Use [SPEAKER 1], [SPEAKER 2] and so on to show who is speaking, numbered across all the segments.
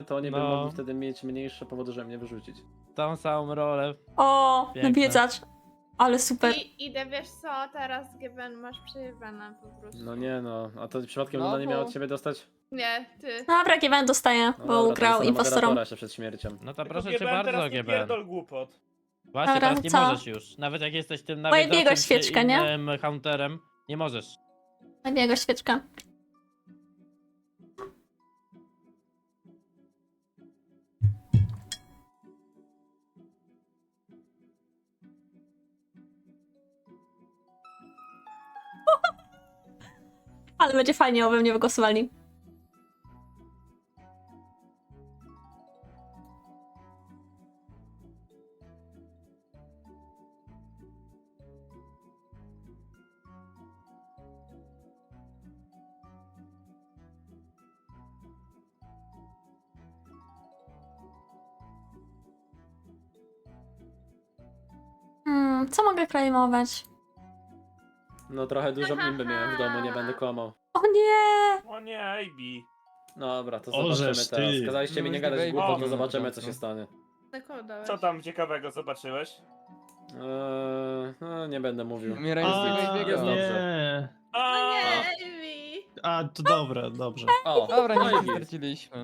[SPEAKER 1] to oni by
[SPEAKER 2] No.
[SPEAKER 1] mogli wtedy mieć mniejsze powody, żeby mnie wyrzucić.
[SPEAKER 2] Tą samą rolę.
[SPEAKER 3] O,
[SPEAKER 2] Piękne.
[SPEAKER 3] nawiedzacz. Ale super.
[SPEAKER 4] I idę, wiesz co, teraz GBN masz przejebane po prostu.
[SPEAKER 1] No nie no, a to przypadkiem
[SPEAKER 5] No
[SPEAKER 1] Luna nie miała
[SPEAKER 5] bo-
[SPEAKER 1] od ciebie dostać?
[SPEAKER 4] Nie, ty.
[SPEAKER 3] Dobra, GBN dostaje,
[SPEAKER 1] No
[SPEAKER 3] bo
[SPEAKER 1] dobra, to
[SPEAKER 3] ugrał
[SPEAKER 1] dostanę
[SPEAKER 3] impostorom.
[SPEAKER 1] moderatora jeszcze przed śmiercią.
[SPEAKER 2] No to
[SPEAKER 6] Tylko
[SPEAKER 2] proszę cię
[SPEAKER 6] GBN
[SPEAKER 2] bardzo,
[SPEAKER 6] teraz nie
[SPEAKER 2] GBN.
[SPEAKER 6] pierdol głupot.
[SPEAKER 2] Właśnie
[SPEAKER 3] Dobra,
[SPEAKER 2] teraz nie
[SPEAKER 3] co?
[SPEAKER 2] możesz już. Nawet jak jesteś tym
[SPEAKER 3] Moje biegłe
[SPEAKER 2] nawiedzaczem czy
[SPEAKER 3] świeczka, nie?
[SPEAKER 2] innym hunterem, nie możesz.
[SPEAKER 3] Nabiega świeczka. Ale będzie fajnie, oby mnie wygłosowali. Co mogę claimować?
[SPEAKER 1] No trochę dużo imby miałem w domu, nie będę kłamał.
[SPEAKER 3] O nie!
[SPEAKER 6] O nie, AB.
[SPEAKER 1] Dobra, to
[SPEAKER 2] Ożeż
[SPEAKER 1] zobaczymy teraz.
[SPEAKER 2] ty.
[SPEAKER 1] Kazaliście mi nie
[SPEAKER 5] No już
[SPEAKER 1] gadać
[SPEAKER 5] nie
[SPEAKER 1] głupot, to
[SPEAKER 6] wejdzie.
[SPEAKER 1] zobaczymy co się stanie.
[SPEAKER 4] Tylko dałeś.
[SPEAKER 6] Co tam ciekawego zobaczyłeś?
[SPEAKER 1] No, nie będę mówił.
[SPEAKER 5] Umieraj
[SPEAKER 2] A,
[SPEAKER 5] z tego
[SPEAKER 1] jest
[SPEAKER 5] biega.
[SPEAKER 1] dobrze.
[SPEAKER 2] nie.
[SPEAKER 6] A,
[SPEAKER 4] No nie, Ewi.
[SPEAKER 2] A, to dobre, dobrze.
[SPEAKER 1] O,
[SPEAKER 5] Dobra,
[SPEAKER 1] no
[SPEAKER 5] nie
[SPEAKER 1] i git.
[SPEAKER 5] straciliśmy.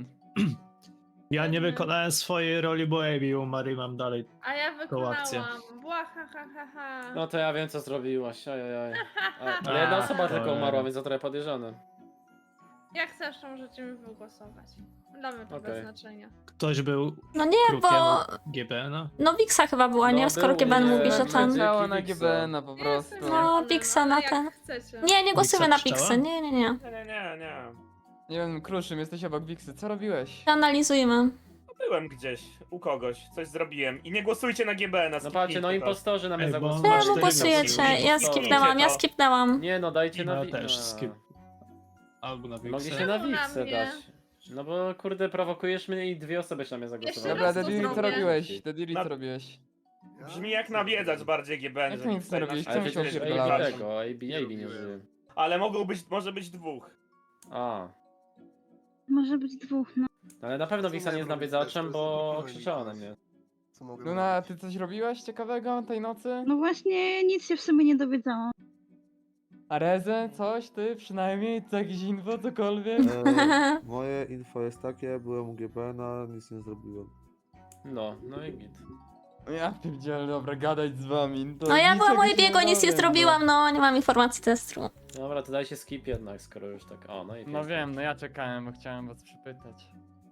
[SPEAKER 7] Ja nie wykonałem swojej roli, bo Abby umarł i mam dalej.
[SPEAKER 4] A ja
[SPEAKER 7] akcję.
[SPEAKER 4] wykonałam. Bła, ha, ha, ha, ha.
[SPEAKER 1] No to ja wiem co zrobiłaś, ajajaj.
[SPEAKER 4] A,
[SPEAKER 1] Ale jedna osoba
[SPEAKER 7] A,
[SPEAKER 1] tylko
[SPEAKER 7] cholera.
[SPEAKER 1] umarła, więc to trochę podejrzane.
[SPEAKER 4] Jak chcesz, to możecie mi wygłosować. Damy to
[SPEAKER 1] Okej.
[SPEAKER 4] bez znaczenia.
[SPEAKER 7] Ktoś był
[SPEAKER 3] No nie,
[SPEAKER 7] krukiem
[SPEAKER 3] bo...
[SPEAKER 7] GB, no.
[SPEAKER 3] No Wixa chyba była,
[SPEAKER 1] No
[SPEAKER 3] nie? Skoro
[SPEAKER 1] był,
[SPEAKER 3] GBN
[SPEAKER 1] nie,
[SPEAKER 3] mówi, że
[SPEAKER 1] nie,
[SPEAKER 3] ten...
[SPEAKER 1] nie.
[SPEAKER 5] Działa na
[SPEAKER 1] Wixa.
[SPEAKER 5] GBN-a po prostu.
[SPEAKER 4] Jestem
[SPEAKER 3] No,
[SPEAKER 4] wolna,
[SPEAKER 3] Pixa
[SPEAKER 4] ale
[SPEAKER 3] na
[SPEAKER 4] jak
[SPEAKER 3] ten.
[SPEAKER 4] chcecie.
[SPEAKER 3] Nie, nie głosujemy na
[SPEAKER 7] Wixa
[SPEAKER 3] Pixę,
[SPEAKER 7] pszczoła?
[SPEAKER 3] nie.
[SPEAKER 6] nie.
[SPEAKER 5] Nie wiem, Kruszym, jesteś obok Wiksy, co robiłeś?
[SPEAKER 3] Analizujmy.
[SPEAKER 6] No byłem gdzieś, u kogoś, coś zrobiłem. I nie głosujcie na GBN-a.
[SPEAKER 1] No patrzcie, no impostorzy na mnie
[SPEAKER 7] Ej, bo
[SPEAKER 1] zagłosowali.
[SPEAKER 7] masz
[SPEAKER 3] Czemu
[SPEAKER 7] cztery
[SPEAKER 3] głosujecie? Ja
[SPEAKER 1] Impostorzy.
[SPEAKER 3] skipnęłam, skipnęłam.
[SPEAKER 1] Nie no, dajcie
[SPEAKER 7] Ja
[SPEAKER 1] na
[SPEAKER 7] też skip. Albo na
[SPEAKER 1] Mogliście
[SPEAKER 7] Wixę.
[SPEAKER 1] na
[SPEAKER 4] Czemu na
[SPEAKER 1] Wixę
[SPEAKER 4] mnie?
[SPEAKER 1] dać. No bo kurde, prowokujesz mnie i dwie osoby się na mnie
[SPEAKER 4] Jeszcze
[SPEAKER 1] zagłosowały.
[SPEAKER 5] Dobra,
[SPEAKER 4] raz to
[SPEAKER 5] Dediri, co
[SPEAKER 4] zrobię.
[SPEAKER 5] robiłeś? Dediri,
[SPEAKER 6] Na-
[SPEAKER 5] co robiłeś?
[SPEAKER 6] Brzmi jak nawiedzać bardziej GBN.
[SPEAKER 5] Jak
[SPEAKER 6] że
[SPEAKER 5] nic
[SPEAKER 6] nic
[SPEAKER 5] nie robiłeś?
[SPEAKER 6] na-
[SPEAKER 1] Ale
[SPEAKER 5] Czemu się
[SPEAKER 1] przecież
[SPEAKER 5] opierdalałeś?
[SPEAKER 1] tego, AB nie żyje.
[SPEAKER 6] Ale może być dwóch.
[SPEAKER 1] A,
[SPEAKER 8] Może być dwóch, no.
[SPEAKER 1] ale na pewno
[SPEAKER 9] Co
[SPEAKER 1] Wixa nie
[SPEAKER 9] miałem
[SPEAKER 1] jest
[SPEAKER 9] robić
[SPEAKER 1] nawiedzaczem,
[SPEAKER 9] też? To
[SPEAKER 1] bo
[SPEAKER 9] jest
[SPEAKER 1] krzyczała na
[SPEAKER 9] zupełnie
[SPEAKER 1] mnie.
[SPEAKER 9] Co mogę
[SPEAKER 5] Luna,
[SPEAKER 9] robić?
[SPEAKER 5] ty coś robiłaś ciekawego tej nocy?
[SPEAKER 8] No właśnie, nic się w sumie nie dowiedziałam.
[SPEAKER 5] A Rezę? Coś? Ty? Przynajmniej? Co, jakieś info? Cokolwiek?
[SPEAKER 9] Moje info jest takie, byłem u GBN-a, nic nie zrobiłem.
[SPEAKER 1] No i git.
[SPEAKER 5] Ja pierdzielę, dobra, gadać z wami. To
[SPEAKER 3] No ja
[SPEAKER 5] nic
[SPEAKER 3] byłam moje
[SPEAKER 5] jakiegoś
[SPEAKER 3] biegu, nic nie
[SPEAKER 5] dowiem,
[SPEAKER 3] zrobiłam, no nie mam informacji testu.
[SPEAKER 1] Dobra, to dajcie skip jednak, skoro już tak. O, no i
[SPEAKER 2] No
[SPEAKER 1] pięknie.
[SPEAKER 2] wiem, no ja czekałem, bo chciałem was przypytać.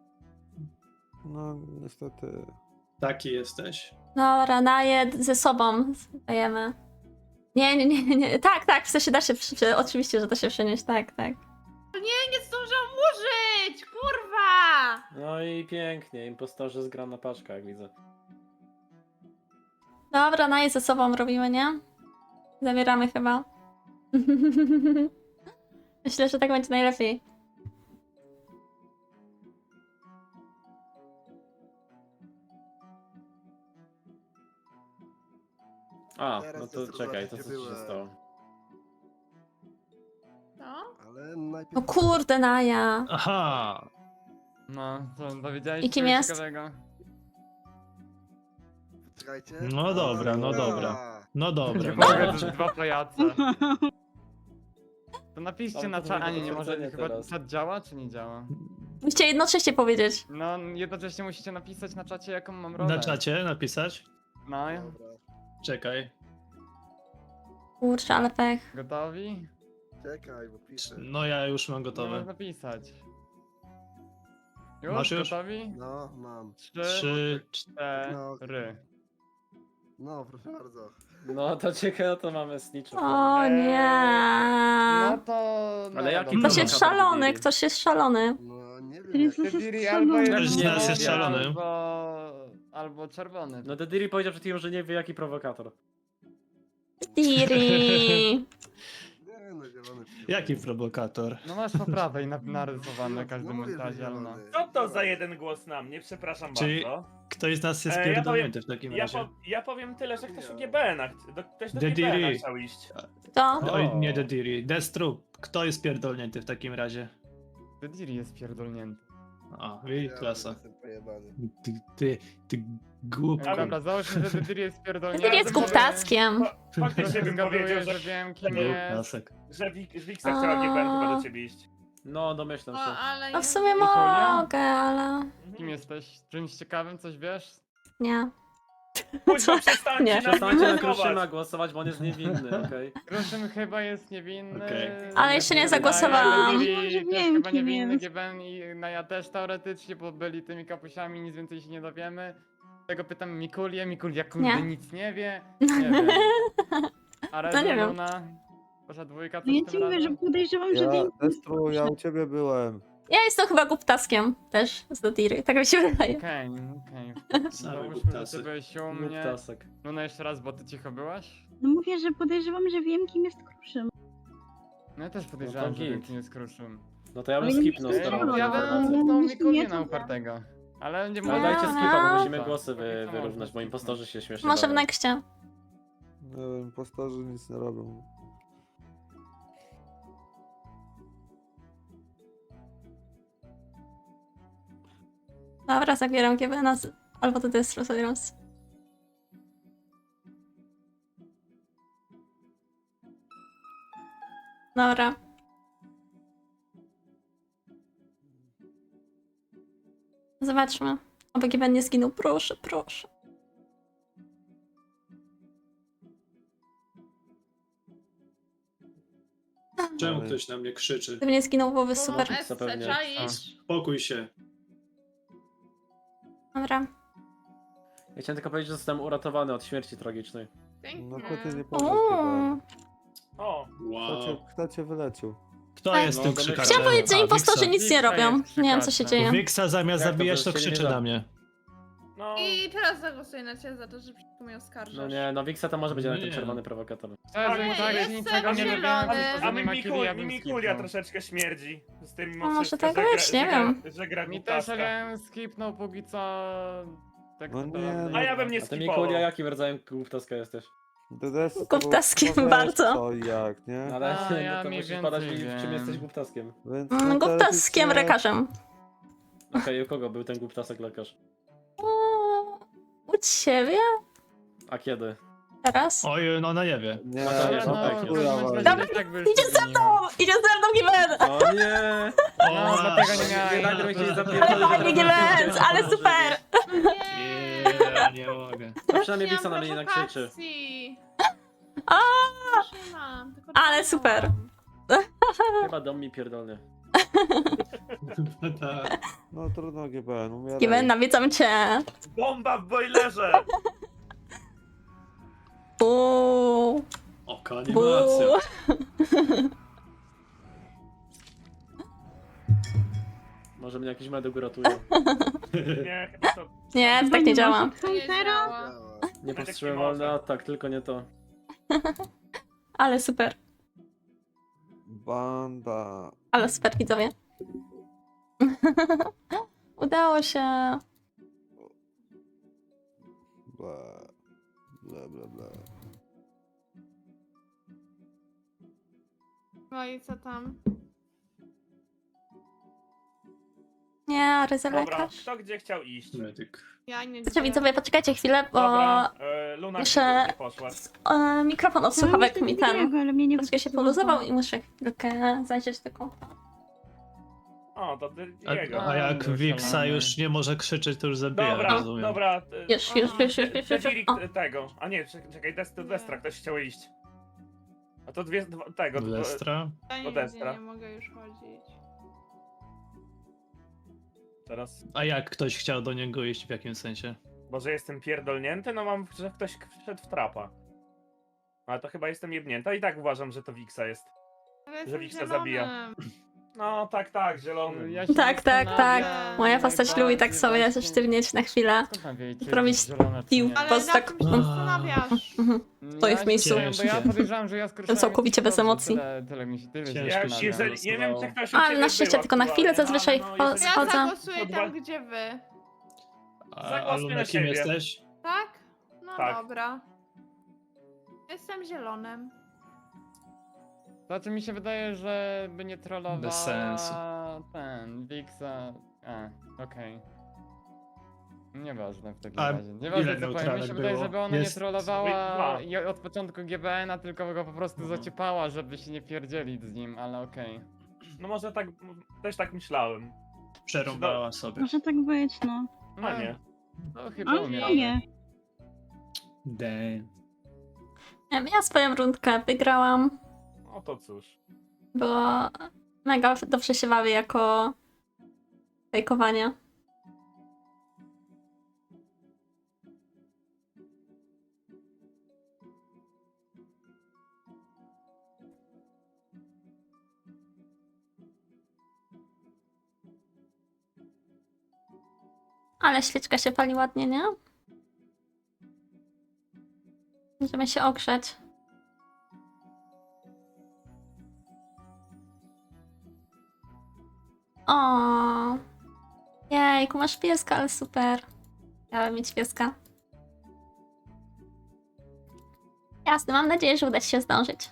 [SPEAKER 9] No niestety.
[SPEAKER 7] Taki jesteś.
[SPEAKER 3] Dobra, daję ze sobą. Dajemy. Nie. Tak, w sensie da się, oczywiście, że da się przenieść, tak.
[SPEAKER 4] Nie zdążam użyć! Kurwa!
[SPEAKER 1] No i pięknie, impostorzy zgrana paczka, jak widzę.
[SPEAKER 3] Dobra, daję ze sobą robimy, nie? Zabieramy chyba. Myślę, że tak będzie najlepiej.
[SPEAKER 1] A,
[SPEAKER 9] Teraz
[SPEAKER 1] no to
[SPEAKER 9] jest
[SPEAKER 1] czekaj, to
[SPEAKER 9] różnica,
[SPEAKER 1] co ci się
[SPEAKER 9] byłem.
[SPEAKER 1] stało?
[SPEAKER 4] No?
[SPEAKER 9] Ale najpierw...
[SPEAKER 3] No kurde, Naja.
[SPEAKER 7] Aha!
[SPEAKER 5] No, co, dowiedziałeś
[SPEAKER 3] I kim
[SPEAKER 5] czegoś
[SPEAKER 3] jest?
[SPEAKER 5] ciekawego?
[SPEAKER 9] Czekajcie.
[SPEAKER 7] No dobra, no dobra. No dobra.
[SPEAKER 2] Nie
[SPEAKER 7] No.
[SPEAKER 2] mogę, to są dwa pajace. To napiszcie
[SPEAKER 1] Tam
[SPEAKER 2] na
[SPEAKER 1] to
[SPEAKER 2] czacie,
[SPEAKER 1] będzie
[SPEAKER 2] a nie może
[SPEAKER 1] potwierdzenie
[SPEAKER 2] chyba
[SPEAKER 1] teraz.
[SPEAKER 2] czat działa, czy nie działa?
[SPEAKER 3] Musicie jednocześnie powiedzieć.
[SPEAKER 2] No, jednocześnie musicie napisać na czacie, jaką mam rolę.
[SPEAKER 7] Na czacie napisać?
[SPEAKER 2] No,
[SPEAKER 9] Dobra.
[SPEAKER 7] Czekaj.
[SPEAKER 3] Kurczę, ale pech.
[SPEAKER 2] gotowi?
[SPEAKER 9] Czekaj, bo piszę.
[SPEAKER 7] No ja już mam
[SPEAKER 2] No,
[SPEAKER 7] gotowe.
[SPEAKER 2] napisać. Już?
[SPEAKER 7] Masz już?
[SPEAKER 2] Gotowi?
[SPEAKER 9] No, mam.
[SPEAKER 2] 3,
[SPEAKER 7] 3,
[SPEAKER 2] 4.
[SPEAKER 9] No, proszę bardzo.
[SPEAKER 1] No to ciekawe, to mamy snitchów.
[SPEAKER 3] O nie.
[SPEAKER 2] No to... No,
[SPEAKER 1] Ale jaki
[SPEAKER 2] dobra.
[SPEAKER 3] Ktoś jest
[SPEAKER 1] prowokator
[SPEAKER 3] szalony,
[SPEAKER 1] Dediri?
[SPEAKER 3] ktoś jest szalony.
[SPEAKER 9] No, nie wiem.
[SPEAKER 8] Teraz
[SPEAKER 9] Jak...
[SPEAKER 8] jest
[SPEAKER 2] albo
[SPEAKER 8] szalony.
[SPEAKER 7] Każdy z nas jest
[SPEAKER 2] niebieski,
[SPEAKER 7] szalony.
[SPEAKER 2] Albo czerwony.
[SPEAKER 1] No Dediri powiedział przed chwilą, że nie wie jaki prowokator.
[SPEAKER 3] Diri.
[SPEAKER 9] Nie, no, zielony.
[SPEAKER 7] Jaki prowokator?
[SPEAKER 2] No masz po prawej narysowane
[SPEAKER 9] No,
[SPEAKER 2] każdy
[SPEAKER 9] no mówię, że
[SPEAKER 2] montazie, ale no.
[SPEAKER 9] zielony.
[SPEAKER 6] Co to za jeden głos na mnie? Przepraszam
[SPEAKER 7] Czyli-
[SPEAKER 6] bardzo.
[SPEAKER 7] Ktoś z nas jest
[SPEAKER 6] Ja
[SPEAKER 7] pierdolnięty w takim
[SPEAKER 6] Ja,
[SPEAKER 7] razie.
[SPEAKER 6] ja powiem tyle, że ktoś u GBN-a, ktoś do
[SPEAKER 7] Dediri.
[SPEAKER 6] GBN-a chciał iść.
[SPEAKER 3] To?
[SPEAKER 7] Oj, nie Dediri. Destru. Kto jest pierdolnięty w takim razie?
[SPEAKER 2] Dediri jest pierdolnięty.
[SPEAKER 7] A, i klasa.
[SPEAKER 9] Jestem pojebany.
[SPEAKER 7] Ty głupku.
[SPEAKER 6] Ale-
[SPEAKER 2] Dobra, załóżmy, że Dydir jest pierdolnięty.
[SPEAKER 3] Dydir jest głuptackiem.
[SPEAKER 6] Faktycznie bym powiedział,
[SPEAKER 2] Zgaduję, że wiem kim
[SPEAKER 7] Był
[SPEAKER 2] jest.
[SPEAKER 7] klasek.
[SPEAKER 6] że Wiksa chciała GBN chyba do ciebie iść.
[SPEAKER 1] No, domyślam
[SPEAKER 4] O,
[SPEAKER 1] się.
[SPEAKER 4] ale
[SPEAKER 3] No w
[SPEAKER 4] nie-
[SPEAKER 3] sumie
[SPEAKER 2] Nikolia?
[SPEAKER 3] mogę, ale
[SPEAKER 2] Kim jesteś? Czymś ciekawym, coś wiesz?
[SPEAKER 3] nie.
[SPEAKER 6] Kuźwa, przestańcie
[SPEAKER 3] Nie.
[SPEAKER 6] na
[SPEAKER 1] Przestańcie
[SPEAKER 6] mnie
[SPEAKER 1] na
[SPEAKER 6] głosować.
[SPEAKER 1] Kruszyma głosować, bo on jest niewinny, okej?
[SPEAKER 2] Kruszym chyba jest niewinny.
[SPEAKER 7] Okej.
[SPEAKER 3] Ale jeszcze nie
[SPEAKER 2] Wydaje,
[SPEAKER 3] zagłosowałam.
[SPEAKER 2] Dydir
[SPEAKER 8] Może
[SPEAKER 2] też
[SPEAKER 8] wiem,
[SPEAKER 2] chyba
[SPEAKER 8] kim
[SPEAKER 2] niewinny,
[SPEAKER 8] jest.
[SPEAKER 2] GBN i no ja też teoretycznie, bo byli tymi kapusiami, nic więcej się nie dowiemy. Tego pytam Mikulię, Mikulia kurde
[SPEAKER 3] Nie.
[SPEAKER 2] nic nie wie. Nie wiem. A
[SPEAKER 3] No nie wiem.
[SPEAKER 2] Luna? Wasza dwójka
[SPEAKER 8] No ja
[SPEAKER 2] coś
[SPEAKER 8] ci
[SPEAKER 2] tym
[SPEAKER 8] mówię, że
[SPEAKER 2] razem?
[SPEAKER 8] podejrzewam, że
[SPEAKER 9] Ja,
[SPEAKER 8] ty...
[SPEAKER 9] Destru, ja u ciebie byłem.
[SPEAKER 3] Ja jestem chyba głuptaskiem też z Dodiry, tak mi się wydaje.
[SPEAKER 2] Okej, okej.
[SPEAKER 7] Same
[SPEAKER 2] Załóżmy, że
[SPEAKER 7] głuptasy.
[SPEAKER 2] ty byłeś u mnie.
[SPEAKER 1] Głuptasek.
[SPEAKER 2] Luna jeszcze raz, bo ty cicho byłaś?
[SPEAKER 8] No mówię, że podejrzewam, że wiem, kim jest Kruszym.
[SPEAKER 2] No ja też podejrzewam,
[SPEAKER 1] to
[SPEAKER 2] że wiem
[SPEAKER 1] git.
[SPEAKER 2] kim jest Kruszym.
[SPEAKER 1] No to ja bym
[SPEAKER 8] Ale nie
[SPEAKER 1] skipnął
[SPEAKER 8] myślę,
[SPEAKER 1] starą
[SPEAKER 8] że
[SPEAKER 2] Ja
[SPEAKER 8] Dobra,
[SPEAKER 2] bym
[SPEAKER 8] dobra.
[SPEAKER 2] zepnął
[SPEAKER 8] Nie
[SPEAKER 2] Mikulię
[SPEAKER 8] to
[SPEAKER 2] na
[SPEAKER 8] wiem.
[SPEAKER 2] upartego. Ale nie
[SPEAKER 1] Ale
[SPEAKER 2] mogę.
[SPEAKER 1] dajcie skipa, bo musimy
[SPEAKER 2] Tak,
[SPEAKER 1] głosy
[SPEAKER 2] to można
[SPEAKER 1] wyrównać, bo impostorzy się śmiesznie
[SPEAKER 3] Może w
[SPEAKER 1] bawią.
[SPEAKER 3] nexcie.
[SPEAKER 9] Nie wiem, impostorzy nic nie robią.
[SPEAKER 3] Dobra, zabieram GBN albo to Destro zabieram. Dobra. Zobaczmy. Oby GBN nie zginął. Proszę, proszę.
[SPEAKER 7] Czemu ktoś na mnie krzyczy?
[SPEAKER 3] Gdyby nie zginął, byłoby
[SPEAKER 4] Bo
[SPEAKER 3] super.
[SPEAKER 4] SC,
[SPEAKER 1] Zapewne.
[SPEAKER 4] czaisz?
[SPEAKER 7] Spokój się.
[SPEAKER 3] Dobra.
[SPEAKER 1] Ja chciałem tylko powiedzieć, że zostałem uratowany od śmierci tragicznej.
[SPEAKER 9] No
[SPEAKER 4] Pięknie.
[SPEAKER 9] to ty nie powiesz
[SPEAKER 3] Uuu.
[SPEAKER 6] O,
[SPEAKER 7] Wow.
[SPEAKER 9] kto cię wyleczył?
[SPEAKER 7] Kto jest
[SPEAKER 1] No,
[SPEAKER 7] tym
[SPEAKER 1] domyślam
[SPEAKER 7] krzykaczem?
[SPEAKER 1] się.
[SPEAKER 3] Chciałam powiedzieć, że
[SPEAKER 7] A,
[SPEAKER 3] impostorzy
[SPEAKER 7] Wiksa.
[SPEAKER 3] nic nie
[SPEAKER 2] Wiksa
[SPEAKER 3] robią.
[SPEAKER 2] jest
[SPEAKER 3] Nie wiem, co się
[SPEAKER 2] krzykaczem.
[SPEAKER 3] dzieje.
[SPEAKER 7] Wiksa zamiast
[SPEAKER 1] Jak to
[SPEAKER 7] zabijać, to
[SPEAKER 1] by się nie
[SPEAKER 7] krzyczy
[SPEAKER 1] da?
[SPEAKER 7] na mnie.
[SPEAKER 6] no.
[SPEAKER 4] I teraz zagłosuję na ciebie za to, że przeciwko mnie oskarżasz.
[SPEAKER 1] No nie, no Wiksa to może być jednak ten
[SPEAKER 7] Nie.
[SPEAKER 1] czerwony prowokator.
[SPEAKER 2] Szczerze,
[SPEAKER 6] Ale
[SPEAKER 2] tak
[SPEAKER 4] jest
[SPEAKER 2] niczego nie
[SPEAKER 4] zielony.
[SPEAKER 2] dowiedziałem,
[SPEAKER 6] A
[SPEAKER 2] że nie ma Kili, ja bym
[SPEAKER 6] Mikulia
[SPEAKER 2] skipnął.
[SPEAKER 6] troszeczkę śmierdzi. Z tym mimo
[SPEAKER 3] No, może
[SPEAKER 6] wszystko,
[SPEAKER 3] tak
[SPEAKER 6] że gra-
[SPEAKER 3] być, nie
[SPEAKER 6] że gra-
[SPEAKER 3] wiem.
[SPEAKER 6] Że gra
[SPEAKER 2] Mi
[SPEAKER 6] głuptaska.
[SPEAKER 2] też, ale ja bym skipnął póki co... Tak
[SPEAKER 9] No
[SPEAKER 2] to
[SPEAKER 9] nie,
[SPEAKER 2] robię.
[SPEAKER 9] no.
[SPEAKER 6] A ja bym nie
[SPEAKER 1] A ty
[SPEAKER 6] skipował.
[SPEAKER 1] Mikulia, jakim rodzajem głuptaska jesteś?
[SPEAKER 9] Głuptaskiem
[SPEAKER 3] bardzo.
[SPEAKER 9] Co i jak, nie?
[SPEAKER 1] Ale
[SPEAKER 2] A,
[SPEAKER 1] no
[SPEAKER 2] ja
[SPEAKER 1] to
[SPEAKER 2] mniej
[SPEAKER 1] musisz podać mi,
[SPEAKER 2] więcej
[SPEAKER 1] w czym
[SPEAKER 2] wiem.
[SPEAKER 1] jesteś głuptaskiem.
[SPEAKER 9] Więc no,
[SPEAKER 3] Głuptaskiem
[SPEAKER 9] teoretycznie-
[SPEAKER 3] lekarzem.
[SPEAKER 1] Okej, u kogo był ten głuptasek lekarz?
[SPEAKER 3] U ciebie?
[SPEAKER 1] A kiedy?
[SPEAKER 3] Teraz?
[SPEAKER 7] Oj, no ona nie wie.
[SPEAKER 9] Nie,
[SPEAKER 1] No to nie,
[SPEAKER 2] No,
[SPEAKER 1] no
[SPEAKER 2] no,
[SPEAKER 1] tak,
[SPEAKER 2] w
[SPEAKER 1] jest.
[SPEAKER 2] każdym razie
[SPEAKER 3] Dobra,
[SPEAKER 2] tak by już
[SPEAKER 3] idzie
[SPEAKER 2] się
[SPEAKER 3] ze
[SPEAKER 2] zmieniło.
[SPEAKER 3] mną! Idzie ze mną GBN!
[SPEAKER 1] O nie!
[SPEAKER 2] No, dlatego nie miałem.
[SPEAKER 1] Nie nagle się
[SPEAKER 3] Ale
[SPEAKER 1] zapierdolił.
[SPEAKER 3] fajnie GBN, ale super!
[SPEAKER 7] Ja nie mogę.
[SPEAKER 1] No przynajmniej Wiksa na mnie nie nakrzyczy.
[SPEAKER 4] prowokacji.
[SPEAKER 3] A,
[SPEAKER 4] Trzymam, tylko
[SPEAKER 3] Ale
[SPEAKER 4] trzymam.
[SPEAKER 3] super.
[SPEAKER 1] Chyba dom mi pierdolny.
[SPEAKER 7] Tak.
[SPEAKER 9] No trudno GBN, umieraj.
[SPEAKER 3] GBN, nawiedzam cię.
[SPEAKER 6] Bomba w boilerze!
[SPEAKER 3] Uuu.
[SPEAKER 7] Oka
[SPEAKER 3] Buu.
[SPEAKER 7] animacja.
[SPEAKER 1] Może mnie jakiś medyk uratuje.
[SPEAKER 6] Nie, chyba to...
[SPEAKER 3] Nie, to tak nie działa.
[SPEAKER 4] To nie działa.
[SPEAKER 1] Nie
[SPEAKER 6] Medyk
[SPEAKER 1] powstrzymam
[SPEAKER 6] nie może.
[SPEAKER 1] wolny atak, tylko nie to.
[SPEAKER 3] Ale super.
[SPEAKER 9] Banda.
[SPEAKER 3] Ale super, widzowie. Udało się.
[SPEAKER 9] Bla. Bla, bla, bla.
[SPEAKER 4] No i co tam?
[SPEAKER 3] Nie, ryzy
[SPEAKER 6] Dobra,
[SPEAKER 3] lekarz.
[SPEAKER 6] kto gdzie chciał iść?
[SPEAKER 7] Medyk.
[SPEAKER 4] Ja nie
[SPEAKER 3] Znaczy, widzowie, poczekajcie chwilę, bo
[SPEAKER 6] Dobra, Luna
[SPEAKER 3] muszę-
[SPEAKER 6] gdzie poszła.
[SPEAKER 3] Mikrofon od słuchawek mi ten
[SPEAKER 8] ale mnie nie
[SPEAKER 3] troszkę się poluzował i muszę chwilkę zajrzeć do kompa.
[SPEAKER 6] O, to
[SPEAKER 7] A,
[SPEAKER 6] jego.
[SPEAKER 7] a jak
[SPEAKER 2] Dobra,
[SPEAKER 7] Wiksa
[SPEAKER 2] szalony.
[SPEAKER 7] już nie może krzyczeć, to już zabija,
[SPEAKER 6] Dobra,
[SPEAKER 7] rozumiem.
[SPEAKER 6] dobra.
[SPEAKER 3] Już.
[SPEAKER 6] Dedirik
[SPEAKER 3] O,
[SPEAKER 6] tego. A nie, czekaj, Destra, ktoś chciał iść. A to tego.
[SPEAKER 7] Lestra?
[SPEAKER 4] Ja
[SPEAKER 6] do
[SPEAKER 4] nigdzie
[SPEAKER 6] Destra.
[SPEAKER 4] nie mogę już chodzić.
[SPEAKER 6] Teraz.
[SPEAKER 7] A jak ktoś chciał do niego iść, w jakim sensie?
[SPEAKER 6] Może jestem pierdolnięty? No mam, że ktoś wszedł w trapa. Ale to chyba jestem jebnięta i tak uważam, że to Wiksa jest.
[SPEAKER 4] Ale jestem
[SPEAKER 6] Wiksa zabija.
[SPEAKER 4] zielonym.
[SPEAKER 6] No tak, zielony.
[SPEAKER 2] Ja się
[SPEAKER 3] Tak.
[SPEAKER 2] zastanawiam,
[SPEAKER 3] Moja postać lubi tak
[SPEAKER 2] najbardziej
[SPEAKER 3] sobie
[SPEAKER 2] właśnie-
[SPEAKER 3] sztywnieć na chwilę.
[SPEAKER 2] Skąd mam wiedzieć, czy
[SPEAKER 3] Zrobić
[SPEAKER 2] jest zielona, czy
[SPEAKER 3] pił.
[SPEAKER 2] nie?
[SPEAKER 4] Ale
[SPEAKER 3] Boss
[SPEAKER 4] na
[SPEAKER 3] tak-
[SPEAKER 4] czym się zastanawiasz?
[SPEAKER 3] To jest w miejscu.
[SPEAKER 2] Bo ja podejrzewam, że ja skorzystałem
[SPEAKER 3] Całkowicie bez emocji.
[SPEAKER 2] Tyle mi się tyle się
[SPEAKER 7] Ciężko
[SPEAKER 6] Ja,
[SPEAKER 7] się
[SPEAKER 2] zastanawiam.
[SPEAKER 6] jeżeli, nie wiem, czy ktoś u
[SPEAKER 3] Ale
[SPEAKER 6] ciebie
[SPEAKER 3] na szczęście
[SPEAKER 6] był
[SPEAKER 3] tylko na chwilę,
[SPEAKER 6] aktualnie,
[SPEAKER 3] zazwyczaj
[SPEAKER 6] ale no, jeżeli-
[SPEAKER 4] Ja
[SPEAKER 3] Schodzę.
[SPEAKER 4] zagłosuję
[SPEAKER 6] Podwa-
[SPEAKER 4] tam, gdzie wy.
[SPEAKER 7] A
[SPEAKER 6] Zagłosuj
[SPEAKER 7] Luna,
[SPEAKER 6] na
[SPEAKER 7] kim
[SPEAKER 6] siebie.
[SPEAKER 7] jesteś?
[SPEAKER 4] Tak? No
[SPEAKER 6] Tak.
[SPEAKER 4] dobra. Jestem zielonym.
[SPEAKER 2] Znaczy mi się wydaje, że by nie trollowała
[SPEAKER 7] Bez sensu.
[SPEAKER 2] ten Wiksa Okej. Nieważne w takim
[SPEAKER 7] A
[SPEAKER 2] razie. Nieważne
[SPEAKER 7] ile
[SPEAKER 2] co powiem, mi
[SPEAKER 7] neutralek
[SPEAKER 2] się wydaje,
[SPEAKER 7] było?
[SPEAKER 2] żeby ona nie
[SPEAKER 7] Jest
[SPEAKER 2] trollowała
[SPEAKER 6] dwa.
[SPEAKER 2] od początku GBN-a, tylko go po prostu zaciepała, żeby się nie pierdzielić z nim, ale okej.
[SPEAKER 6] No może tak, też tak myślałem.
[SPEAKER 7] Przerąbała sobie.
[SPEAKER 8] Może tak być, no.
[SPEAKER 6] A nie.
[SPEAKER 2] No chyba
[SPEAKER 8] Ale
[SPEAKER 2] umieram.
[SPEAKER 8] nie.
[SPEAKER 7] Damn.
[SPEAKER 3] Ja swoją rundkę wygrałam.
[SPEAKER 6] No to cóż.
[SPEAKER 3] Było mega dobrze się bawię jako fejkowanie. Ale świeczka się pali ładnie, nie? Możemy się ogrzeć. O, jejku, masz pieska, ale super. Chciałam mieć pieska. Jasne, mam nadzieję, że uda ci się zdążyć.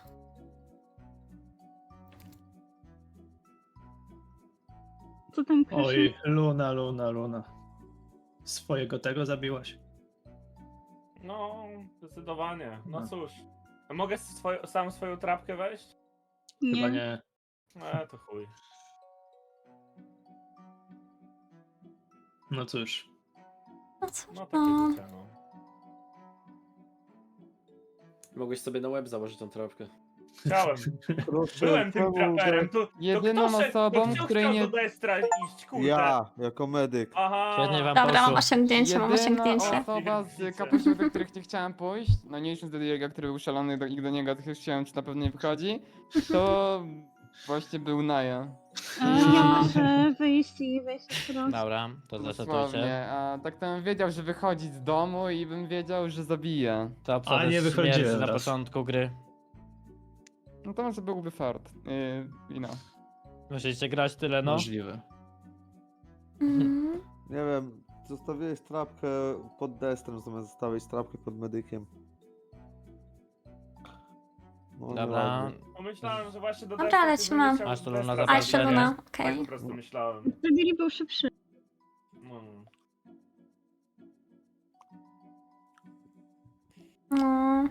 [SPEAKER 8] Co tam kruszył?
[SPEAKER 7] Oj, Luna. Swojego tego zabiłaś.
[SPEAKER 6] No, zdecydowanie. No
[SPEAKER 7] No.
[SPEAKER 6] cóż. A mogę sam swoją trapkę wejść?
[SPEAKER 7] Chyba
[SPEAKER 8] Nie.
[SPEAKER 7] nie.
[SPEAKER 6] To chuj.
[SPEAKER 7] No cóż.
[SPEAKER 3] No cóż,
[SPEAKER 6] No takie
[SPEAKER 3] no.
[SPEAKER 6] życie, no.
[SPEAKER 1] Mogłeś sobie na łeb założyć tą trawkę.
[SPEAKER 6] Chciałem.
[SPEAKER 9] Proszę,
[SPEAKER 6] Byłem tym
[SPEAKER 9] czemu
[SPEAKER 6] traperem. To
[SPEAKER 2] Jedyną
[SPEAKER 6] kto szedł,
[SPEAKER 2] osobą,
[SPEAKER 6] kto
[SPEAKER 2] której
[SPEAKER 6] chciał
[SPEAKER 2] nie...
[SPEAKER 6] do Destra iść, kurde.
[SPEAKER 9] Ja, jako medyk.
[SPEAKER 6] Aha.
[SPEAKER 10] Świetnie wam
[SPEAKER 3] Dobra, mam
[SPEAKER 10] poszło.
[SPEAKER 3] osiągnięcie, mam
[SPEAKER 2] Jedyna
[SPEAKER 3] osiągnięcie.
[SPEAKER 2] osoba z kapusiów, do których nie chciałem pójść, no nie licząc do Diego, który był szalony i do niego też chciałem, czy na pewno nie wychodzi, to właśnie był Naja.
[SPEAKER 8] Ja muszę wyjść i wejść po prostu.
[SPEAKER 10] Dobra, to zasetujcie.
[SPEAKER 2] Dosłownie, a tak to bym wiedział, że wychodzi z domu i bym wiedział, że zabije.
[SPEAKER 10] To
[SPEAKER 7] A
[SPEAKER 10] obsada
[SPEAKER 7] nie wychodziłem
[SPEAKER 10] śmierci na
[SPEAKER 7] raz.
[SPEAKER 10] początku gry.
[SPEAKER 2] No to może byłby fart. I no.
[SPEAKER 10] Musicie grać tyle, no.
[SPEAKER 7] Możliwe.
[SPEAKER 3] Mhm.
[SPEAKER 9] Nie wiem, zostawiłeś trapkę pod destrem, zamiast zostawić trapkę pod medykiem. No,
[SPEAKER 10] Dobra.
[SPEAKER 9] nieładnie.
[SPEAKER 6] No myślałem, że właśnie do
[SPEAKER 3] Dobra,
[SPEAKER 6] Destra
[SPEAKER 3] lecimy.
[SPEAKER 6] ty będziesz chciał
[SPEAKER 10] Masz tu
[SPEAKER 6] do
[SPEAKER 10] Luna
[SPEAKER 6] Destra
[SPEAKER 3] A jeszcze
[SPEAKER 6] zabrać,
[SPEAKER 3] Luna,
[SPEAKER 6] nie?
[SPEAKER 3] okej.
[SPEAKER 6] Tak po prostu myślałem.
[SPEAKER 8] Wtedy był szybszy.
[SPEAKER 6] No.
[SPEAKER 3] No.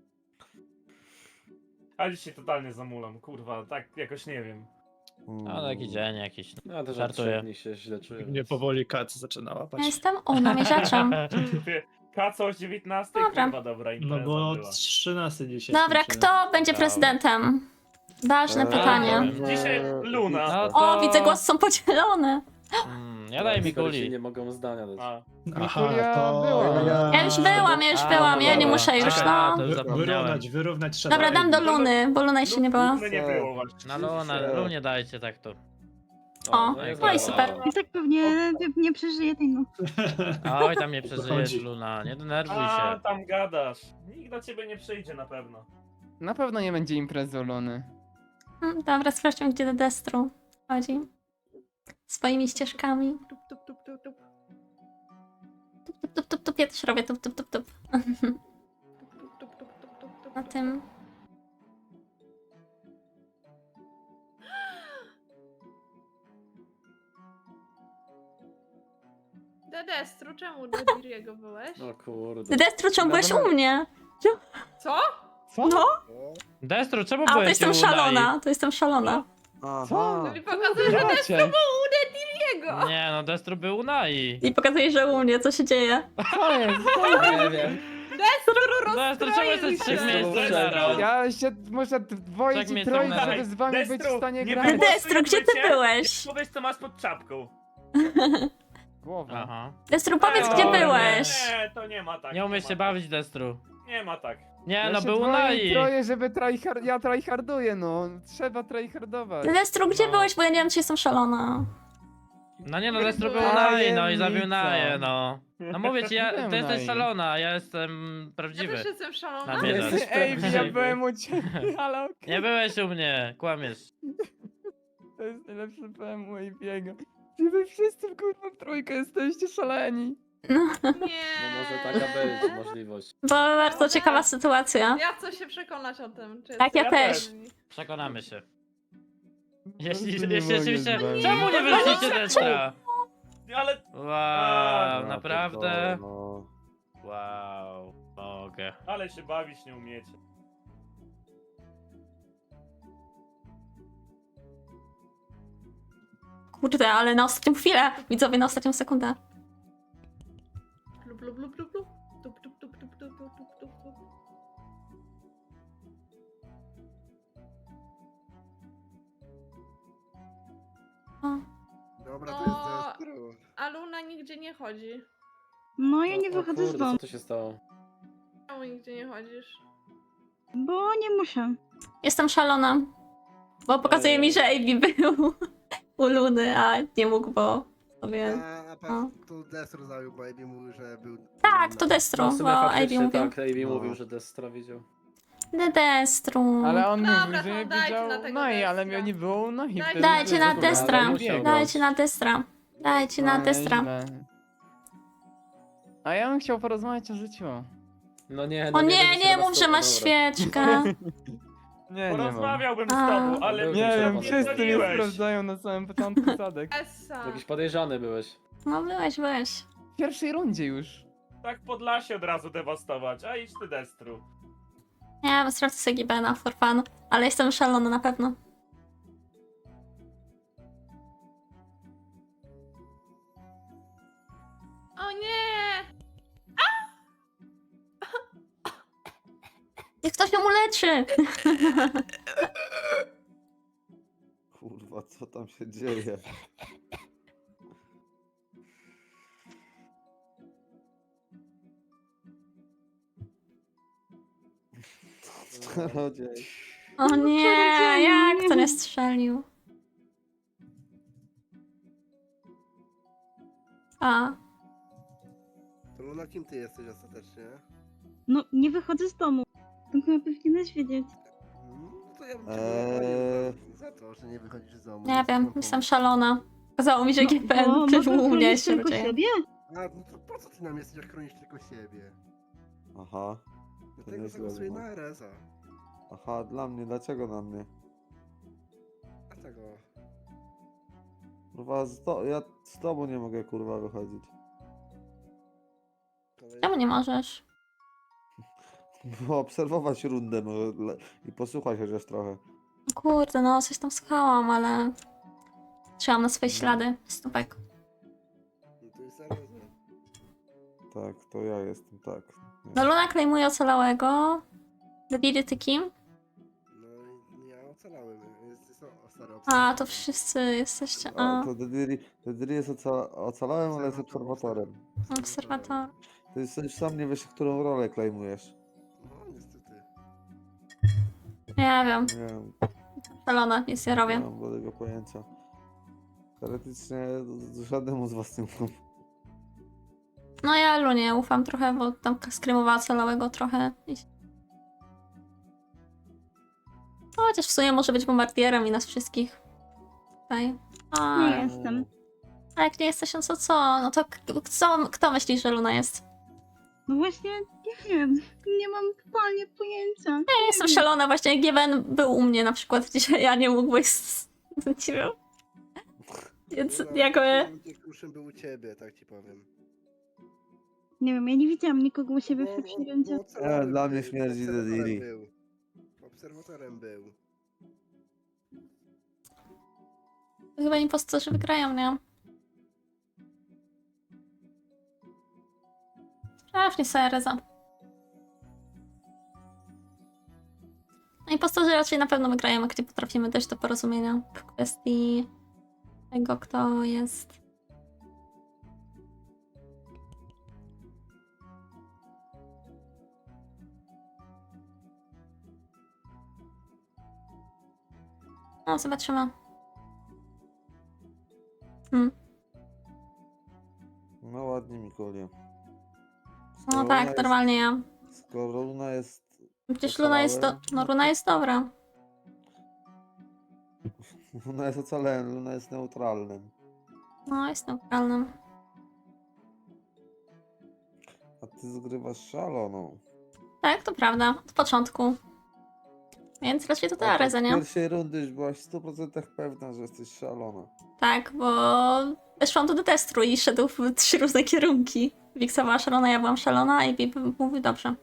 [SPEAKER 6] A dzisiaj totalnie zamulam, kurwa, tak jakoś nie wiem.
[SPEAKER 10] No taki dzień jakiś.
[SPEAKER 1] No też od
[SPEAKER 10] Żartuję.
[SPEAKER 1] 3 dni się źle czuję.
[SPEAKER 7] Mnie powoli kat zaczyna łapać.
[SPEAKER 3] Ja jestem namierzaczem.
[SPEAKER 6] Kaco o 19,
[SPEAKER 3] Dobra.
[SPEAKER 6] kurwa dobra impreza
[SPEAKER 7] No bo
[SPEAKER 6] była.
[SPEAKER 7] 13 dzisiaj.
[SPEAKER 3] Dobra,
[SPEAKER 7] skończyłem.
[SPEAKER 3] kto będzie prezydentem? Ważne
[SPEAKER 9] Eee,
[SPEAKER 3] pytanie.
[SPEAKER 6] Dzisiaj Luna.
[SPEAKER 10] No to...
[SPEAKER 3] O, widzę, głosy są podzielone.
[SPEAKER 10] Ja daję
[SPEAKER 1] Niektórzy się
[SPEAKER 10] Mikuli.
[SPEAKER 1] nie mogą zdania dać.
[SPEAKER 6] A,
[SPEAKER 2] Mikulia była.
[SPEAKER 3] Ja już byłam, ja nie muszę już,
[SPEAKER 10] Czekaj,
[SPEAKER 3] no.
[SPEAKER 10] to już zapomniałem.
[SPEAKER 7] Wyrównać trzeba.
[SPEAKER 3] Dobra, dam do Luny, bo Luna jeszcze nie była.
[SPEAKER 6] Luny nie było właśnie.
[SPEAKER 10] Na Luna, Lunie dajcie tak to.
[SPEAKER 3] O,
[SPEAKER 1] jest
[SPEAKER 3] no i
[SPEAKER 1] dobra.
[SPEAKER 3] super.
[SPEAKER 8] I tak pewnie nie przeżyję tej nocy.
[SPEAKER 10] Oj, tam nie przeżyjesz,
[SPEAKER 7] Wychodzi.
[SPEAKER 10] Luna, nie denerwuj
[SPEAKER 6] A,
[SPEAKER 10] się.
[SPEAKER 6] tam gadasz. Nikt do ciebie nie przyjdzie na pewno.
[SPEAKER 2] Na pewno nie będzie imprezy u Luny.
[SPEAKER 3] Dobra, sprawdźmy, gdzie do Destru chodzi. Swoimi ścieżkami.
[SPEAKER 4] Tup, tup, tup, tup, tup.
[SPEAKER 3] Tup, ja też robię tup.
[SPEAKER 4] Tup, tup, tup, tup, tup, tup, tup.
[SPEAKER 3] Na tym.
[SPEAKER 4] Dedestru, czemu do Diriego byłeś?
[SPEAKER 1] No kurde.
[SPEAKER 3] Destru, czemu byłeś u mnie?
[SPEAKER 4] Co?
[SPEAKER 2] Co?
[SPEAKER 3] No,
[SPEAKER 10] Destru, czemu
[SPEAKER 3] a to
[SPEAKER 10] byłeś
[SPEAKER 3] jestem
[SPEAKER 10] u Nai?
[SPEAKER 3] szalona, to jestem szalona.
[SPEAKER 9] Aha.
[SPEAKER 4] No i pokazuje, że
[SPEAKER 2] Dacie.
[SPEAKER 4] Diriego!
[SPEAKER 10] Nie no, Destru był u Nai.
[SPEAKER 3] I pokazuje, że u mnie, co się dzieje.
[SPEAKER 2] Co jest?
[SPEAKER 1] Nie wiem.
[SPEAKER 10] Destru, czemu jesteś w trzech
[SPEAKER 4] Destru,
[SPEAKER 10] miejscach
[SPEAKER 6] Destru.
[SPEAKER 10] naraz?
[SPEAKER 2] Ja się muszę dwoić
[SPEAKER 10] Tak
[SPEAKER 2] i
[SPEAKER 10] mnie
[SPEAKER 2] troić,
[SPEAKER 10] są
[SPEAKER 2] żeby z wami być w
[SPEAKER 6] Destru,
[SPEAKER 2] stanie
[SPEAKER 6] nie
[SPEAKER 2] grać.
[SPEAKER 6] było-
[SPEAKER 3] Destru, gdzie ty byłeś?
[SPEAKER 6] Powiedz co masz pod czapką.
[SPEAKER 2] Głowa.
[SPEAKER 10] Aha.
[SPEAKER 3] Destru, powiedz,
[SPEAKER 6] O,
[SPEAKER 3] gdzie
[SPEAKER 10] nie.
[SPEAKER 3] byłeś.
[SPEAKER 6] Nie, to nie ma tak.
[SPEAKER 10] Nie umiesz
[SPEAKER 6] ma
[SPEAKER 10] się
[SPEAKER 6] tak.
[SPEAKER 10] bawić, Destru.
[SPEAKER 6] Nie ma tak.
[SPEAKER 10] Nie
[SPEAKER 2] Ja
[SPEAKER 10] no,
[SPEAKER 2] się
[SPEAKER 10] był u
[SPEAKER 2] dwoję i
[SPEAKER 10] Nai.
[SPEAKER 2] troję, żeby ja tryharduję, no. Trzeba tryhardować.
[SPEAKER 3] Destru, gdzie
[SPEAKER 10] No.
[SPEAKER 3] byłeś, bo ja nie wiem, czy jestem szalona.
[SPEAKER 10] No nie no, Destru był u
[SPEAKER 2] Tajemnica.
[SPEAKER 10] Nai, no i zabił Naję, no. No mówię ci,
[SPEAKER 2] Byłem
[SPEAKER 10] ty jesteś
[SPEAKER 2] Nai.
[SPEAKER 10] szalona, a ja jestem
[SPEAKER 4] Ja
[SPEAKER 10] prawdziwy.
[SPEAKER 4] też jestem szalona.
[SPEAKER 10] Na mnie
[SPEAKER 1] Jesteś
[SPEAKER 10] dać.
[SPEAKER 2] Ej, ja
[SPEAKER 1] prawdziwy.
[SPEAKER 2] byłem u ciebie, ale okej.
[SPEAKER 10] Nie byłeś u mnie, kłamiesz.
[SPEAKER 2] To jest najlepszy PM u Abiego. Wy wszyscy kurwa w trójkę jesteście szaleni.
[SPEAKER 4] Nie.
[SPEAKER 1] No może taka być możliwość.
[SPEAKER 3] Bo bardzo ciekawa sytuacja.
[SPEAKER 4] Ja chcę się przekonać o tym. Czy
[SPEAKER 3] Tak, ja
[SPEAKER 4] jesteście
[SPEAKER 3] też.
[SPEAKER 4] szaleni.
[SPEAKER 10] Przekonamy się.
[SPEAKER 2] Po
[SPEAKER 10] Jeśli
[SPEAKER 2] prostu nie mogę
[SPEAKER 10] rzeczywiście...
[SPEAKER 2] z wami.
[SPEAKER 10] Czemu nie wyszliście Destra?
[SPEAKER 6] Ale...
[SPEAKER 10] Wow,
[SPEAKER 6] A,
[SPEAKER 10] naprawdę?
[SPEAKER 9] No.
[SPEAKER 10] Wow, mogę.
[SPEAKER 6] Ale się bawić nie umiecie.
[SPEAKER 3] Kurde, ale na ostatnią chwilę. Widzowie, na ostatnią sekundę.
[SPEAKER 4] Lub, lub, lub, lub, lub. Tup, tup, tup, tup, tup, tup, tup, tup, tup.
[SPEAKER 3] O.
[SPEAKER 11] Dobra,
[SPEAKER 4] to
[SPEAKER 11] to
[SPEAKER 4] jest
[SPEAKER 11] jest Destru.
[SPEAKER 4] A Luna nigdzie nie chodzi.
[SPEAKER 8] No ja nie
[SPEAKER 1] O
[SPEAKER 8] wychodzę
[SPEAKER 1] kurde,
[SPEAKER 8] z domu,
[SPEAKER 1] co tu się stało?
[SPEAKER 4] Czemu nigdzie nie chodzisz?
[SPEAKER 8] bo nie muszę.
[SPEAKER 3] Jestem szalona. Bo pokazuje mi, że AB był u Luny, a nie mógł, bo sobie...
[SPEAKER 11] A tu Destru zabił, bo AB mówił, że był...
[SPEAKER 3] Tak, to Destro,
[SPEAKER 1] No w
[SPEAKER 3] bo
[SPEAKER 1] sumie
[SPEAKER 3] AB
[SPEAKER 1] faktycznie
[SPEAKER 3] mówił.
[SPEAKER 1] tak, AB
[SPEAKER 9] No.
[SPEAKER 1] mówił, że Destra widział.
[SPEAKER 3] Destru.
[SPEAKER 2] Ale on
[SPEAKER 4] Dobra,
[SPEAKER 2] mówił, że
[SPEAKER 4] to
[SPEAKER 2] nie
[SPEAKER 4] dajcie
[SPEAKER 2] widział
[SPEAKER 4] na tego
[SPEAKER 2] Nai, ale
[SPEAKER 4] Destra.
[SPEAKER 2] mnie nie było Nai.
[SPEAKER 4] Dajcie
[SPEAKER 2] wtedy,
[SPEAKER 3] Dajcie
[SPEAKER 2] więc
[SPEAKER 3] na
[SPEAKER 2] w ogóle
[SPEAKER 3] Destra.
[SPEAKER 2] nie musiał
[SPEAKER 3] Dajcie
[SPEAKER 2] grać.
[SPEAKER 3] na Destra. Dajcie na
[SPEAKER 2] No,
[SPEAKER 3] Destra.
[SPEAKER 2] nieźle. A ja bym chciał porozmawiać o życiu.
[SPEAKER 1] No nie,
[SPEAKER 3] O
[SPEAKER 1] no
[SPEAKER 3] nie,
[SPEAKER 1] będzie się
[SPEAKER 3] nie
[SPEAKER 1] na was
[SPEAKER 3] mów, że
[SPEAKER 1] to-
[SPEAKER 3] masz
[SPEAKER 1] dobra.
[SPEAKER 3] świeczkę.
[SPEAKER 2] Nie mam.
[SPEAKER 6] Porozmawiałbym z
[SPEAKER 3] A.
[SPEAKER 6] tobą, ale...
[SPEAKER 1] Był
[SPEAKER 2] Nie
[SPEAKER 1] ten
[SPEAKER 2] wiem,
[SPEAKER 1] czerwony.
[SPEAKER 2] wszyscy mnie
[SPEAKER 6] Dzwoniłeś.
[SPEAKER 2] sprawdzają na samym początku Sadek.
[SPEAKER 4] Essa.
[SPEAKER 1] Jakiś podejrzany byłeś.
[SPEAKER 3] No byłeś.
[SPEAKER 2] W pierwszej rundzie już.
[SPEAKER 6] Tak Podlasie od razu dewastować, a idź ty Destru.
[SPEAKER 3] Nie, sprawdzę sobie Gibena for fun. Ale jestem szalona na pewno.
[SPEAKER 4] O nie!
[SPEAKER 3] Niech ktoś ją uleczy.
[SPEAKER 9] Kurwa, co tam się dzieje? Czarodziej.
[SPEAKER 3] O nie,
[SPEAKER 8] czarodzieju,
[SPEAKER 3] jak
[SPEAKER 8] nie.
[SPEAKER 3] to nie strzelił? A,
[SPEAKER 11] To Luna, kim ty jesteś ostatecznie?
[SPEAKER 8] No nie wychodzę z domu. To chyba powinieneś wiedzieć.
[SPEAKER 11] No to ja bym cię
[SPEAKER 9] Eee.
[SPEAKER 11] pochwalił za to, że nie wychodzisz z domu.
[SPEAKER 3] nie wiem, jestem szalona. Okazało mi się, że
[SPEAKER 8] No,
[SPEAKER 3] Giben
[SPEAKER 8] bo
[SPEAKER 3] był
[SPEAKER 8] można
[SPEAKER 3] u mnie
[SPEAKER 8] chronić
[SPEAKER 3] się
[SPEAKER 8] tylko
[SPEAKER 3] dzieje.
[SPEAKER 8] siebie?
[SPEAKER 11] A, no to po co ty nam jesteś, jak chronisz tylko siebie?
[SPEAKER 9] Aha.
[SPEAKER 11] Dlatego
[SPEAKER 9] nieźle
[SPEAKER 11] zagłosuję
[SPEAKER 9] było.
[SPEAKER 11] na Ereza.
[SPEAKER 9] Aha, dla mnie, dlaczego na mnie?
[SPEAKER 11] Dlatego.
[SPEAKER 9] Kurwa, ja z tobą nie mogę kurwa wychodzić.
[SPEAKER 3] Czemu nie możesz?
[SPEAKER 9] Bo obserwować rundę i posłuchać chociaż trochę.
[SPEAKER 3] Kurde, no coś tam słuchałam, ale... Trzymam na swoje ślady, stópek.
[SPEAKER 11] No to jest Ereza.
[SPEAKER 9] Tak, to ja jestem, tak.
[SPEAKER 3] No Luna klejmuje ocalałego. Zabili ty kim?
[SPEAKER 11] No i ja ocalałem. Jest stary
[SPEAKER 3] A, to wszyscy jesteście... A,
[SPEAKER 9] To Dediri jest ocalałem, ale jest obserwatorem.
[SPEAKER 3] obserwator.
[SPEAKER 9] Ty już sam nie wiesz, którą rolę klejmujesz.
[SPEAKER 11] No niestety.
[SPEAKER 3] Nie wiem,
[SPEAKER 9] Nie wiem,
[SPEAKER 3] szalona, nic nie
[SPEAKER 9] nie
[SPEAKER 3] robię.
[SPEAKER 9] mam żadnego pojęcia. Teoretycznie żadnemu z was nie ufam.
[SPEAKER 3] No ja Lunie ufam trochę, bo tam skrymowała ocalałego trochę. No, chociaż w sumie może być bombardierem i nas wszystkich. Tutaj. A,
[SPEAKER 8] Nie jestem.
[SPEAKER 3] a jak nie jesteś, no to co? No to kto myśli, że Luna jest?
[SPEAKER 8] No właśnie, nie wiem. Nie mam totalnie pojęcia.
[SPEAKER 3] Ja jestem szalona, właśnie Given był u mnie na przykład dzisiaj, a nie mógłbyś nie wiem. Więc
[SPEAKER 11] Luna,
[SPEAKER 3] jakby...
[SPEAKER 11] Kruszym był u ciebie, tak ci powiem.
[SPEAKER 8] Nie wiem, ja nie widziałam nikogo u siebie w
[SPEAKER 11] Bo-
[SPEAKER 8] pierwszej
[SPEAKER 11] bo
[SPEAKER 8] rundzie.
[SPEAKER 11] ocalałem
[SPEAKER 9] dla mnie
[SPEAKER 11] był,
[SPEAKER 9] śmierdzi
[SPEAKER 11] obserwatorem
[SPEAKER 9] Dediri.
[SPEAKER 11] był. Obserwatorem był.
[SPEAKER 3] Chyba impostorzy wygrają, nie? Strasznie sobie Reza. No impostorzy raczej na pewno wygrają, jak nie potrafimy dojść do porozumienia w kwestii tego, kto jest. No, zobaczymy.
[SPEAKER 9] No ładnie, Mikulie.
[SPEAKER 3] No tak, normalnie ja.
[SPEAKER 9] Skoro Luna jest...
[SPEAKER 3] Przecież Luna jest no Luna jest dobra.
[SPEAKER 9] Luna jest ocalałem, Luna jest neutralnym.
[SPEAKER 3] No, jest neutralnym.
[SPEAKER 9] A ty zgrywasz szaloną.
[SPEAKER 3] Tak, to prawda. Od początku. Więc raczej to
[SPEAKER 9] A
[SPEAKER 3] ta
[SPEAKER 9] tak
[SPEAKER 3] Areza,
[SPEAKER 9] z
[SPEAKER 3] nie?
[SPEAKER 9] pierwszej rundy już byłaś w 100% pewna, że jesteś szalona.
[SPEAKER 3] Tak, bo weszłam do detestru i szedł w 3 różne kierunki. Wiksa była szalona, ja byłam szalona, a AB mówił dobrze.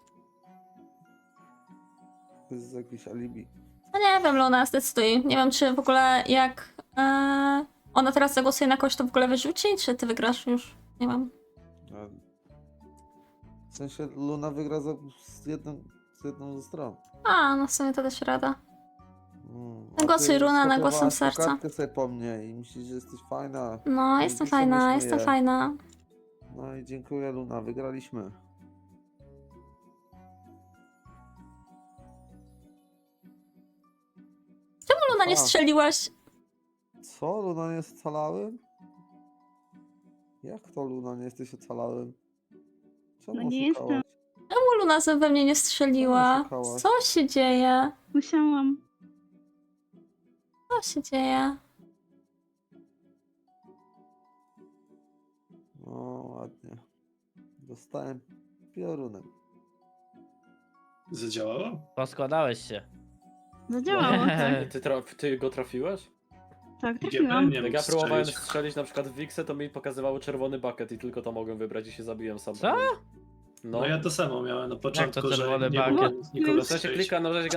[SPEAKER 9] To jest jakieś alibi.
[SPEAKER 3] No nie wiem, Luna, zdecyduj. Nie wiem, czy w ogóle jak ona teraz zagłosuje na kogoś, to w ogóle wyrzuci, czy ty wygrasz już? Nie wiem.
[SPEAKER 9] A w sensie Luna wygra z jedną ze stron.
[SPEAKER 3] A, no w sumie to też rada.
[SPEAKER 9] A ty
[SPEAKER 3] Głosuj, Luna, na głosem
[SPEAKER 9] skopiowałeś
[SPEAKER 3] serca.
[SPEAKER 9] kartkę sobie po mnie i myślisz, że jesteś fajna.
[SPEAKER 3] No,
[SPEAKER 9] I
[SPEAKER 3] jestem
[SPEAKER 9] tu sobie
[SPEAKER 3] fajna,
[SPEAKER 9] śmieję.
[SPEAKER 3] jestem fajna.
[SPEAKER 9] No i dziękuję Luna, wygraliśmy.
[SPEAKER 3] Czemu Luna nie
[SPEAKER 9] A.
[SPEAKER 3] strzeliłaś?
[SPEAKER 9] Co? Luna nie jest ocalałym? Jak to Luna nie jesteś ocalałym? Czemu
[SPEAKER 8] No nie
[SPEAKER 9] oszukałaś?
[SPEAKER 8] jestem.
[SPEAKER 3] Czemu Luna we mnie nie strzeliła?
[SPEAKER 9] oszukałaś?
[SPEAKER 3] Co się dzieje?
[SPEAKER 8] Musiałam.
[SPEAKER 3] Co się dzieje?
[SPEAKER 9] No ładnie. Dostałem piorunem.
[SPEAKER 7] Zadziałało?
[SPEAKER 10] Poskładałeś się.
[SPEAKER 8] Zadziałało, tak.
[SPEAKER 1] Ty go trafiłeś?
[SPEAKER 8] Tak,
[SPEAKER 7] IGB
[SPEAKER 8] trafiłam.
[SPEAKER 7] nie
[SPEAKER 1] Jak
[SPEAKER 7] mógł
[SPEAKER 1] ja próbowałem
[SPEAKER 7] strzelić.
[SPEAKER 1] strzelić na przykład w Wixę, to mi pokazywało czerwony bucket i tylko to mogłem wybrać i się zabiłem sam.
[SPEAKER 10] Co?
[SPEAKER 1] No,
[SPEAKER 7] No ja to samo miałem na początku, że
[SPEAKER 10] czerwony
[SPEAKER 7] nie
[SPEAKER 10] bucket?
[SPEAKER 7] mogłem nikogo
[SPEAKER 1] w sensie
[SPEAKER 7] strzelić.
[SPEAKER 1] klika, no że